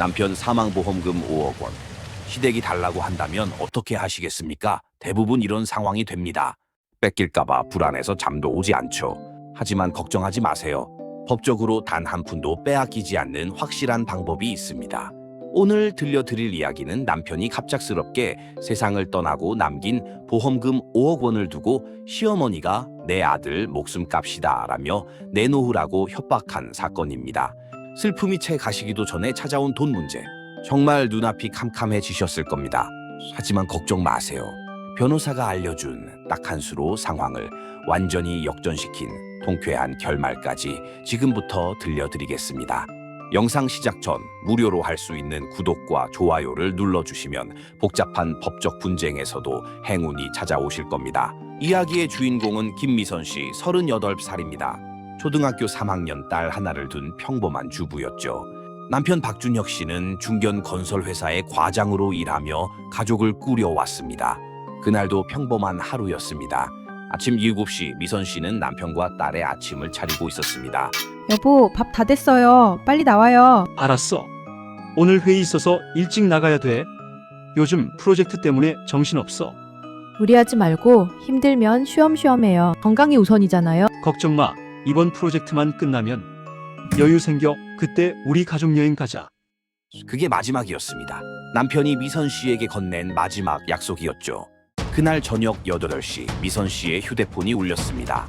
남편 사망보험금 5억 원. 시댁이 달라고 한다면 어떻게 하시겠습니까? 대부분 이런 상황이 됩니다. 뺏길까봐 불안해서 잠도 오지 않죠. 하지만 걱정하지 마세요. 법적으로 단 한 푼도 빼앗기지 않는 확실한 방법이 있습니다. 오늘 들려드릴 이야기는 남편이 갑작스럽게 세상을 떠나고 남긴 보험금 5억 원을 두고 시어머니가 내 아들 목숨값이다 라며 내놓으라고 협박한 사건입니다. 슬픔이 채 가시기도 전에 찾아온 돈 문제. 정말 눈앞이 캄캄해지셨을 겁니다. 하지만 걱정 마세요. 변호사가 알려준 딱 한 수로 상황을 완전히 역전시킨 통쾌한 결말까지 지금부터 들려드리겠습니다. 영상 시작 전 무료로 할 수 있는 구독과 좋아요를 눌러주시면 복잡한 법적 분쟁에서도 행운이 찾아오실 겁니다. 이야기의 주인공은 김미선 씨 38살입니다. 초등학교 3학년 딸 하나를 둔 평범한 주부였죠. 남편 박준혁 씨는 중견 건설회사의 과장으로 일하며 가족을 꾸려왔습니다. 그날도 평범한 하루였습니다. 아침 7시 미선 씨는 남편과 딸의 아침을 차리고 있었습니다. 여보, 밥 다 됐어요. 빨리 나와요. 알았어. 오늘 회의 있어서 일찍 나가야 돼. 요즘 프로젝트 때문에 정신없어. 무리하지 말고 힘들면 쉬엄쉬엄 해요. 건강이 우선이잖아요. 걱정 마. 이번 프로젝트만 끝나면 여유 생겨. 그때 우리 가족 여행 가자. 그게 마지막이었습니다. 남편이 미선 씨에게 건넨 마지막 약속이었죠. 그날 저녁 8시 미선 씨의 휴대폰이 울렸습니다.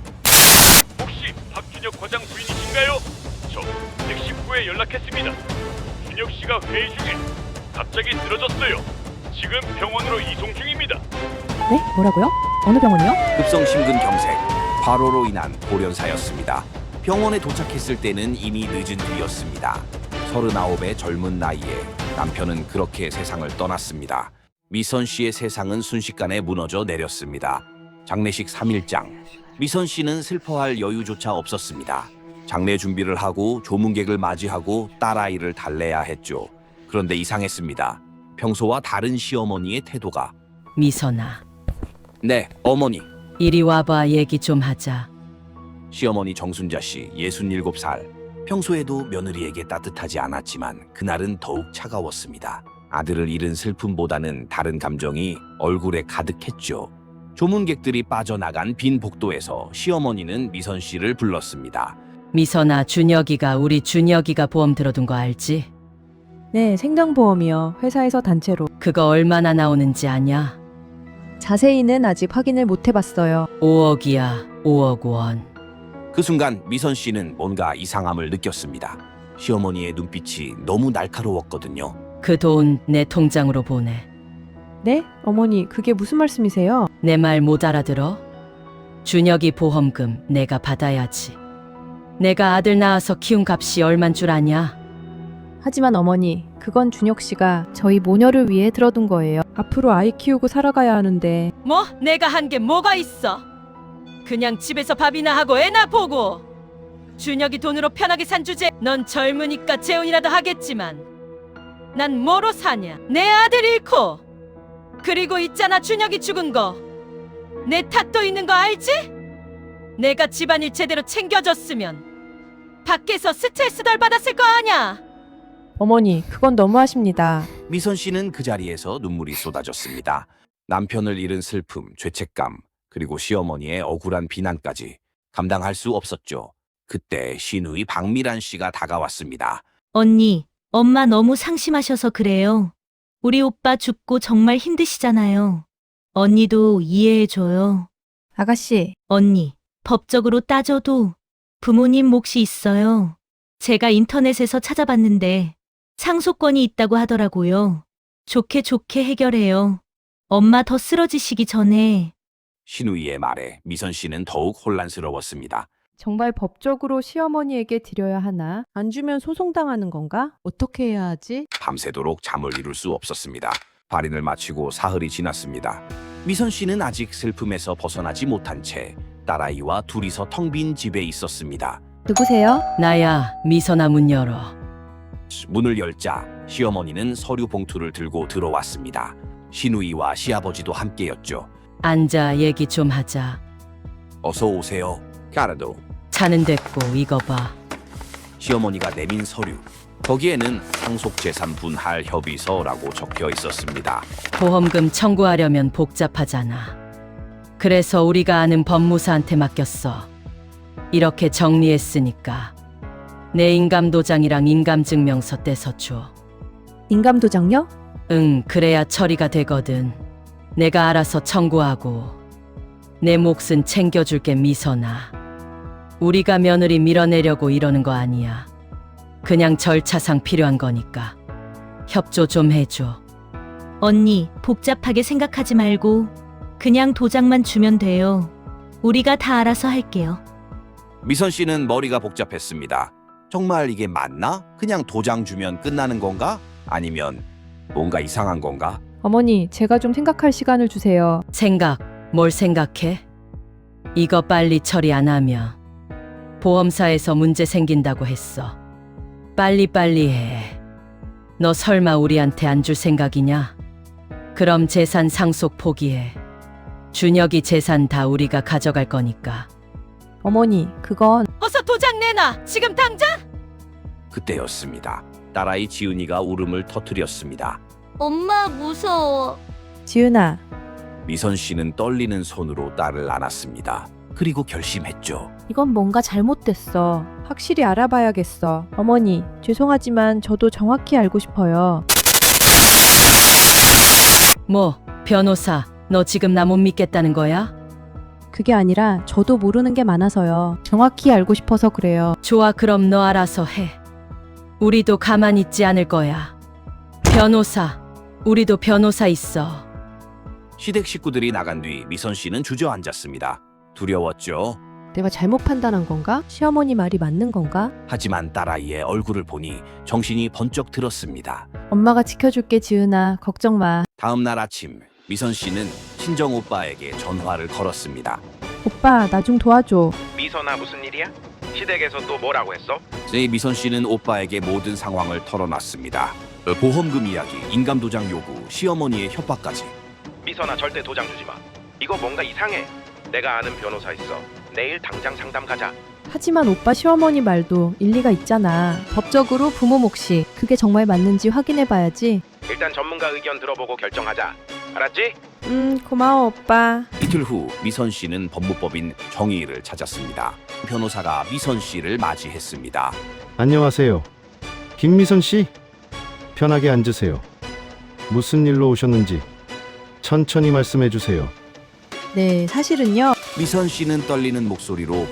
혹시 박준혁 과장 부인이신가요? 저 119에 연락했습니다. 준혁 씨가 회의 중에 갑자기 쓰러졌어요. 지금 병원으로 이송 중입니다. 네? 뭐라고요? 어느 병원이요? 급성 심근경색, 과로로 인한 돌연사였습니다. 병원에 도착했을 때는 이미 늦은 뒤였습니다. 39의 젊은 나이에 남편은 그렇게 세상을 떠났습니다. 미선 씨의 세상은 순식간에 무너져 내렸습니다. 장례식 3일장. 미선 씨는 슬퍼할 여유조차 없었습니다. 장례 준비를 하고 조문객을 맞이하고 딸아이를 달래야 했죠. 그런데 이상했습니다. 평소와 다른 시어머니의 태도가. 미선아, 네, 어머니. 이리 와봐. 얘기 좀 하자. 시어머니 정순자 씨 67살. 평소에도 며느리에게 따뜻하지 않았지만 그날은 더욱 차가웠습니다. 아들을 잃은 슬픔보다는 다른 감정이 얼굴에 가득했죠. 조문객들이 빠져나간 빈 복도에서 시어머니는 미선 씨를 불렀습니다. 미선아, 우리 준혁이가 보험 들어둔 거 알지? 네, 생명보험이요. 회사에서 단체로. 그거 얼마나 나오는지 아냐? 자세히는 아직 확인을 못 해봤어요. 5억이야, 5억 원. 그 순간 미선 씨는 뭔가 이상함을 느꼈습니다. 시어머니의 눈빛이 너무 날카로웠거든요. 그 돈 내 통장으로 보내. 네? 어머니, 그게 무슨 말씀이세요? 내 말 못 알아들어? 준혁이 보험금 내가 받아야지. 내가 아들 낳아서 키운 값이 얼만 줄 아냐? 하지만 어머니, 그건 준혁 씨가 저희 모녀를 위해 들어둔 거예요. 앞으로 아이 키우고 살아가야 하는데. 뭐? 내가 한 게 뭐가 있어? 그냥 집에서 밥이나 하고 애나 보고. 준혁이 돈으로 편하게 산 주제. 넌 젊으니까 재혼이라도 하겠지만 난 뭐로 사냐? 내 아들 잃고. 그리고 있잖아, 준혁이 죽은 거. 내 탓도 있는 거 알지? 내가 집안일 제대로 챙겨줬으면 밖에서 스트레스 덜 받았을 거 아냐? 어머니, 그건 너무하십니다. 미선 씨는 그 자리에서 눈물이 쏟아졌습니다. 남편을 잃은 슬픔, 죄책감, 그리고 시어머니의 억울한 비난까지 감당할 수 없었죠. 그때 시누이 박미란 씨가 다가왔습니다. 언니, 엄마 너무 상심하셔서 그래요. 우리 오빠 죽고 정말 힘드시잖아요. 언니도 이해해줘요. 아가씨, 언니, 법적으로 따져도 부모님 몫이 있어요. 제가 인터넷에서 찾아봤는데 상속권이 있다고 하더라고요. 좋게 좋게 해결해요. 엄마 더 쓰러지시기 전에. 시누이의 말에 미선 씨는 더욱 혼란스러웠습니다. 정말 법적으로 시어머니에게 드려야 하나? 안 주면 소송당하는 건가? 어떻게 해야 하지? 밤새도록 잠을 이룰 수 없었습니다. 발인을 마치고 사흘이 지났습니다. 미선 씨는 아직 슬픔에서 벗어나지 못한 채 딸아이와 둘이서 텅 빈 집에 있었습니다. 누구세요? 나야. 미선아, 문 열어. 문을 열자 시어머니는 서류 봉투를 들고 들어왔습니다. 시누이와 시아버지도 함께였죠. 앉아. 얘기 좀 하자. 어서 오세요. 까르도. 차는 됐고 이거 봐. 시어머니가 내민 서류. 거기에는 상속재산 분할 협의서라고 적혀 있었습니다. 보험금 청구하려면 복잡하잖아. 그래서 우리가 아는 법무사한테 맡겼어. 이렇게 정리했으니까 내 인감도장이랑 인감증명서 떼서 줘. 인감도장요? 응, 그래야 처리가 되거든. 내가 알아서 청구하고 내 몫은 챙겨줄게, 미선아. 우리가 며느리 밀어내려고 이러는 거 아니야. 그냥 절차상 필요한 거니까 협조 좀 해줘. 언니, 복잡하게 생각하지 말고 그냥 도장만 주면 돼요. 우리가 다 알아서 할게요. 미선 씨는 머리가 복잡했습니다. 정말 이게 맞나? 그냥 도장 주면 끝나는 건가? 아니면 뭔가 이상한 건가? 어머니, 제가 좀 생각할 시간을 주세요. 생각, 뭘 생각해? 이거 빨리 처리 안 하면 보험사에서 문제 생긴다고 했어. 빨리빨리 해. 너 설마 우리한테 안 줄 생각이냐? 그럼 재산 상속 포기해. 준혁이 재산 다 우리가 가져갈 거니까. 어머니, 그건 어서 도장 내놔! 지금 당장! 그때였습니다. 딸아이 지은이가 울음을 터뜨렸습니다. 엄마 무서워. 지은아, 미선 씨는 떨리는 손으로 딸을 안았습니다. 그리고 결심했죠. 이건 뭔가 잘못됐어. 확실히 알아봐야겠어. 어머니, 죄송하지만 저도 정확히 알고 싶어요. 뭐, 변호사, 너 지금 나 못 믿겠다는 거야? 그게 아니라 저도 모르는 게 많아서요. 정확히 알고 싶어서 그래요. 좋아, 그럼 너 알아서 해. 우리도 가만히 있지 않을 거야. 변호사, 우리도 변호사 있어. 시댁 식구들이 나간 뒤 미선 씨는 주저앉았습니다. 두려웠죠. 내가 잘못 판단한 건가? 시어머니 말이 맞는 건가? 하지만 딸아이의 얼굴을 보니 정신이 번쩍 들었습니다. 엄마가 지켜줄게, 지은아. 걱정 마. 다음 날 아침 미선 씨는 친정 오빠에게 전화를 걸었습니다. 오빠, 나 좀 도와줘. 미선아, 무슨 일이야? 시댁에서 또 뭐라고 했어? 미선 씨는 오빠에게 모든 상황을 털어놨습니다. 보험금 이야기, 인감도장 요구, 시어머니의 협박까지. 미선아, 절대 도장 주지 마. 이거 뭔가 이상해. 내가 아는 변호사 있어. 내일 당장 상담 가자. 하지만 오빠 시어머니 말도 일리가 있잖아. 법적으로 부모 몫이 그게 정말 맞는지 확인해봐야지. 일단 전문가 의견 들어보고 결정하자. 알았지? 고마워, 오빠. 이틀 후 미선 씨는 법무법인 정의를 찾았습니다. 변호사가 미선 씨를 맞이했습니다. 안녕하세요. 김미선 씨? 편하게 앉으세요. 무슨 일로 오셨는지 천천히 말씀해 주세요. 네, 사실은요. 미선 씨는 떨리는 목소리로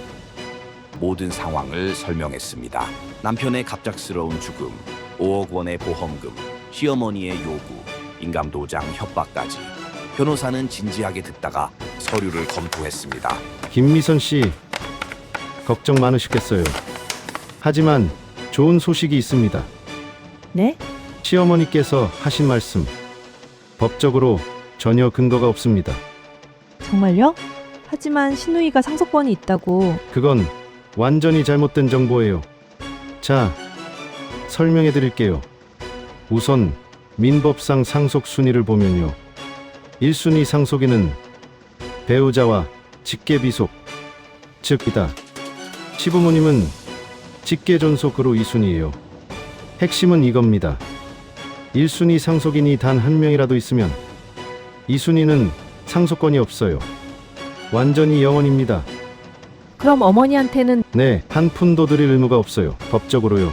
모든 상황을 설명했습니다. 남편의 갑작스러운 죽음, 5억 원의 보험금, 시어머니의 요구, 인감도장 협박까지. 변호사는 진지하게 듣다가 서류를 검토했습니다. 김미선 씨, 걱정 많으시겠어요. 하지만 좋은 소식이 있습니다. 네? 시어머니께서 하신 말씀, 법적으로 전혀 근거가 없습니다. 정말요? 하지만 신우이가 상속권이 있다고. 그건 완전히 잘못된 정보예요. 자, 설명해 드릴게요. 우선 민법상 상속 순위를 보면요. 1순위 상속인은 배우자와 직계비속, 즉 이다. 시부모님은 직계존속으로 2순위예요. 핵심은 이겁니다. 1순위 상속인이 단 한 명이라도 있으면 2순위는 상속권이 없어요. 완전히 영원입니다. 그럼 어머니한테는 네, 한 푼도 드릴 의무가 없어요. 법적으로요.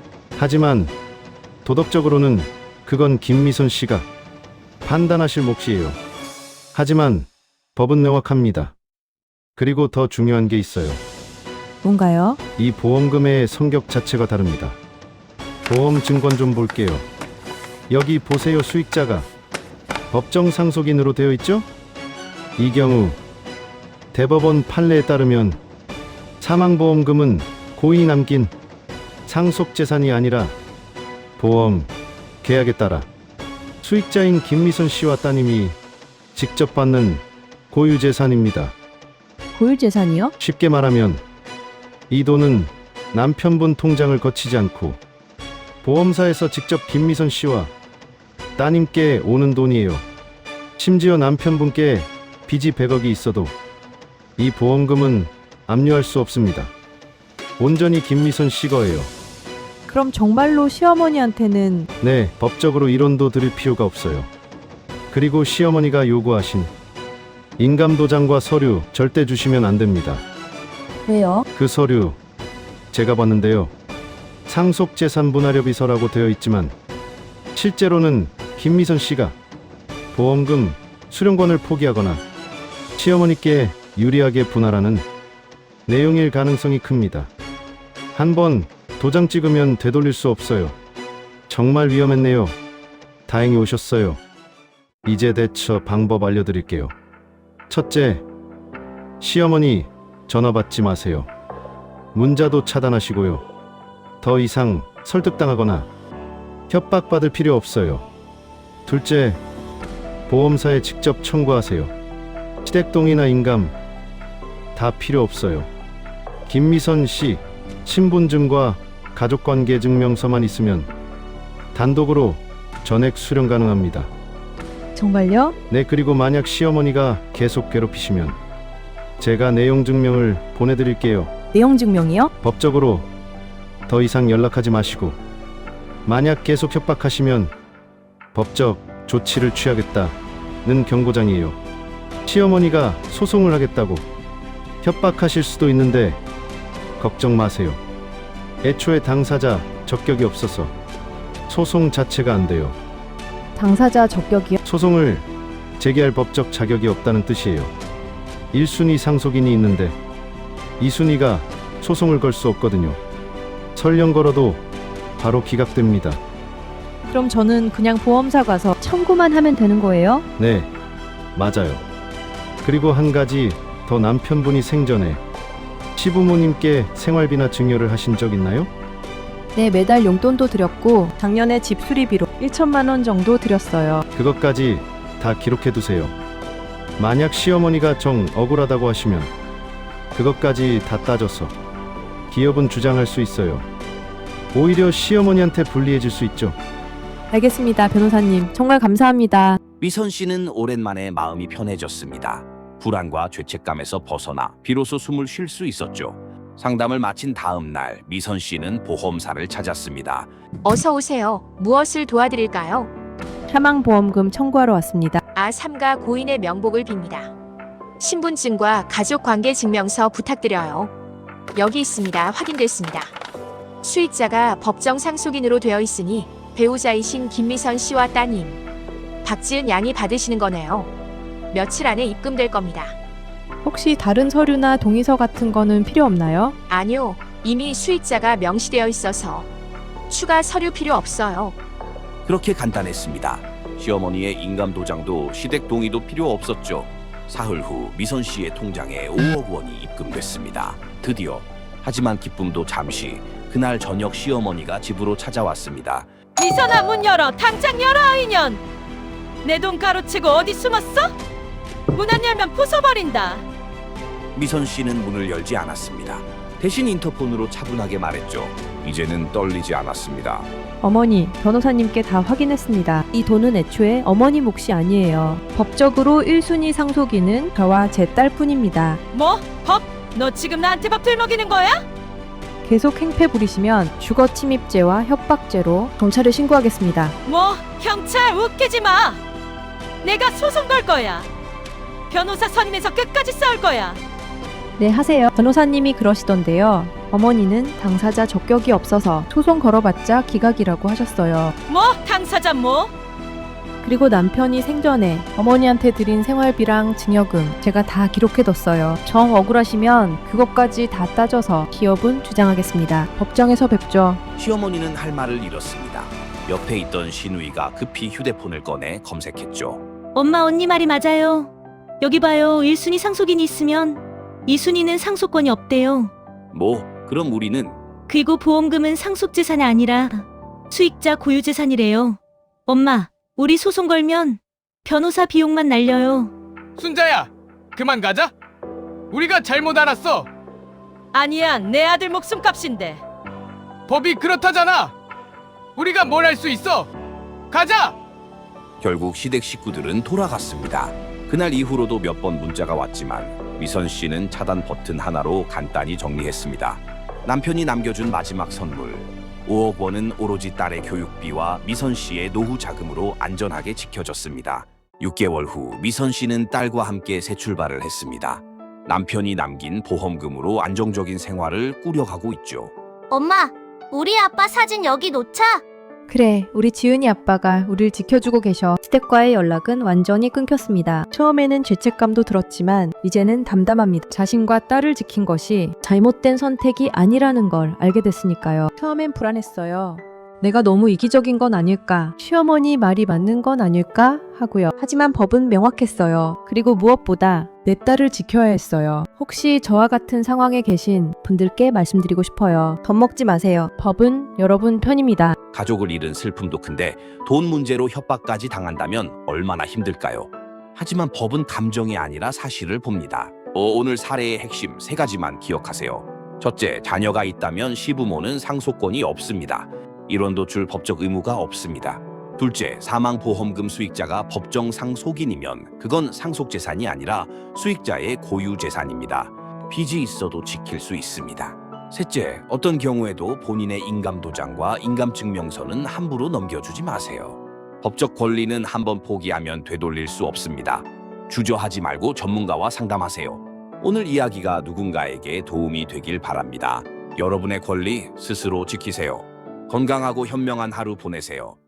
하지만 도덕적으로는 그건 김미선 씨가 판단하실 몫이에요. 하지만 법은 명확합니다. 그리고 더 중요한 게 있어요. 뭔가요? 이 보험금의 성격 자체가 다릅니다. 보험 증권 좀 볼게요. 여기 보세요. 수익자가 법정 상속인으로 되어 있죠? 이 경우 대법원 판례에 따르면 사망보험금은 고인이 남긴 상속재산이 아니라 보험 계약에 따라 수익자인 김미선 씨와 따님이 직접 받는 고유재산입니다. 고유재산이요? 쉽게 말하면 이 돈은 남편분 통장을 거치지 않고 보험사에서 직접 김미선 씨와 따님께 오는 돈이에요. 심지어 남편분께 빚이 100억이 있어도 이 보험금은 압류할 수 없습니다. 온전히 김미선 씨 거예요. 그럼 정말로 시어머니한테는 네, 법적으로 이론도 드릴 필요가 없어요. 그리고 시어머니가 요구하신 인감도장과 서류 절대 주시면 안 됩니다. 왜요? 그 서류 제가 봤는데요. 상속재산분할협의서라고 되어 있지만 실제로는 김미선 씨가 보험금 수령권을 포기하거나 시어머니께 유리하게 분할하는 내용일 가능성이 큽니다. 한번 도장 찍으면 되돌릴 수 없어요. 정말 위험했네요. 다행히 오셨어요. 이제 대처 방법 알려드릴게요. 첫째, 시어머니 전화 받지 마세요. 문자도 차단하시고요. 더 이상 설득당하거나 협박받을 필요 없어요. 둘째, 보험사에 직접 청구하세요. 시댁동이나 인감 다 필요 없어요. 김미선 씨 신분증과 가족관계 증명서만 있으면 단독으로 전액 수령 가능합니다. 정말요? 네, 그리고 만약 시어머니가 계속 괴롭히시면 제가 내용 증명을 보내드릴게요. 내용 증명이요? 법적으로 더 이상 연락하지 마시고 만약 계속 협박하시면 법적 조치를 취하겠다는 경고장이에요. 시어머니가 소송을 하겠다고 협박하실 수도 있는데 걱정 마세요. 애초에 당사자 적격이 없어서 소송 자체가 안 돼요. 당사자 적격이요? 소송을 제기할 법적 자격이 없다는 뜻이에요. 1순위 상속인이 있는데 2순위가 소송을 걸 수 없거든요. 설령 걸어도 바로 기각됩니다. 그럼 저는 그냥 보험사 가서 청구만 하면 되는 거예요? 네, 맞아요. 그리고 한 가지 더, 남편분이 생전에 시부모님께 생활비나 증여를 하신 적 있나요? 네, 매달 용돈도 드렸고 작년에 집 수리비로 1천만 원 정도 드렸어요. 그것까지 다 기록해 두세요. 만약 시어머니가 정 억울하다고 하시면 그것까지 다 따져서 기업은 주장할 수 있어요. 오히려 시어머니한테 불리해질 수 있죠. 알겠습니다, 변호사님. 정말 감사합니다. 미선 씨는 오랜만에 마음이 편해졌습니다. 불안과 죄책감에서 벗어나 비로소 숨을 쉴 수 있었죠. 상담을 마친 다음 날 미선 씨는 보험사를 찾았습니다. 어서 오세요. 무엇을 도와드릴까요? 사망보험금 청구하러 왔습니다. 삼가 고인의 명복을 빕니다. 신분증과 가족관계증명서 부탁드려요. 여기 있습니다. 확인됐습니다. 수익자가 법정 상속인으로 되어 있으니 배우자이신 김미선 씨와 따님 박지은 양이 받으시는 거네요. 며칠 안에 입금될 겁니다. 혹시 다른 서류나 동의서 같은 거는 필요 없나요? 아니요. 이미 수익자가 명시되어 있어서 추가 서류 필요 없어요. 그렇게 간단했습니다. 시어머니의 인감도장도 시댁 동의도 필요 없었죠. 사흘 후 미선 씨의 통장에 5억 원이 입금됐습니다. 드디어. 하지만 기쁨도 잠시. 그날 저녁 시어머니가 집으로 찾아왔습니다. 미선아, 문 열어. 당장 열어, 아이년. 내 돈 가로채고 어디 숨었어? 문 안 열면 부숴버린다. 미선 씨는 문을 열지 않았습니다. 대신 인터폰으로 차분하게 말했죠. 이제는 떨리지 않았습니다. 어머니, 변호사님께 다 확인했습니다. 이 돈은 애초에 어머니 몫이 아니에요. 법적으로 1순위 상속인은 저와 제 딸뿐입니다. 뭐? 법? 너 지금 나한테 밥 들먹이는 거야? 계속 행패 부리시면 주거침입죄와 협박죄로 경찰에 신고하겠습니다. 뭐? 경찰 웃기지 마. 내가 소송 걸 거야. 변호사 선임해서 끝까지 싸울 거야. 네, 하세요. 변호사님이 그러시던데요. 어머니는 당사자 적격이 없어서 소송 걸어봤자 기각이라고 하셨어요. 뭐? 당사자 뭐? 그리고 남편이 생전에 어머니한테 드린 생활비랑 증여금 제가 다 기록해뒀어요. 정 억울하시면 그것까지 다 따져서 기업은 주장하겠습니다. 법정에서 뵙죠. 시어머니는 할 말을 잃었습니다. 옆에 있던 신우이가 급히 휴대폰을 꺼내 검색했죠. 엄마, 언니 말이 맞아요. 여기 봐요. 1순위 상속인이 있으면 2순위는 상속권이 없대요. 뭐? 그럼 우리는? 그리고 보험금은 상속재산이 아니라 수익자 고유재산이래요. 엄마, 우리 소송 걸면 변호사 비용만 날려요. 순자야, 그만 가자. 우리가 잘못 알았어. 아니야, 내 아들 목숨값인데. 법이 그렇다잖아. 우리가 뭘 할 수 있어. 가자. 결국 시댁 식구들은 돌아갔습니다. 그날 이후로도 몇 번 문자가 왔지만 미선 씨는 차단 버튼 하나로 간단히 정리했습니다. 남편이 남겨준 마지막 선물, 5억 원은 오로지 딸의 교육비와 미선 씨의 노후 자금으로 안전하게 지켜졌습니다. 6개월 후 미선 씨는 딸과 함께 새 출발을 했습니다. 남편이 남긴 보험금으로 안정적인 생활을 꾸려가고 있죠. 엄마, 우리 아빠 사진 여기 놓자. 그래, 우리 지은이 아빠가 우릴 지켜주고 계셔. 시댁과의 연락은 완전히 끊겼습니다. 처음에는 죄책감도 들었지만 이제는 담담합니다. 자신과 딸을 지킨 것이 잘못된 선택이 아니라는 걸 알게 됐으니까요. 처음엔 불안했어요. 내가 너무 이기적인 건 아닐까? 시어머니 말이 맞는 건 아닐까? 하고요. 하지만 법은 명확했어요. 그리고 무엇보다 내 딸을 지켜야 했어요. 혹시 저와 같은 상황에 계신 분들께 말씀드리고 싶어요. 겁먹지 마세요. 법은 여러분 편입니다. 가족을 잃은 슬픔도 큰데 돈 문제로 협박까지 당한다면 얼마나 힘들까요? 하지만 법은 감정이 아니라 사실을 봅니다. 오늘 사례의 핵심 3가지만 기억하세요. 첫째, 자녀가 있다면 시부모는 상속권이 없습니다. 일원 도출 법적 의무가 없습니다. 둘째, 사망보험금 수익자가 법정 상속인이면 그건 상속재산이 아니라 수익자의 고유재산입니다. 빚이 있어도 지킬 수 있습니다. 셋째, 어떤 경우에도 본인의 인감도장과 인감증명서는 함부로 넘겨주지 마세요. 법적 권리는 한번 포기하면 되돌릴 수 없습니다. 주저하지 말고 전문가와 상담하세요. 오늘 이야기가 누군가에게 도움이 되길 바랍니다. 여러분의 권리 스스로 지키세요. 건강하고 현명한 하루 보내세요.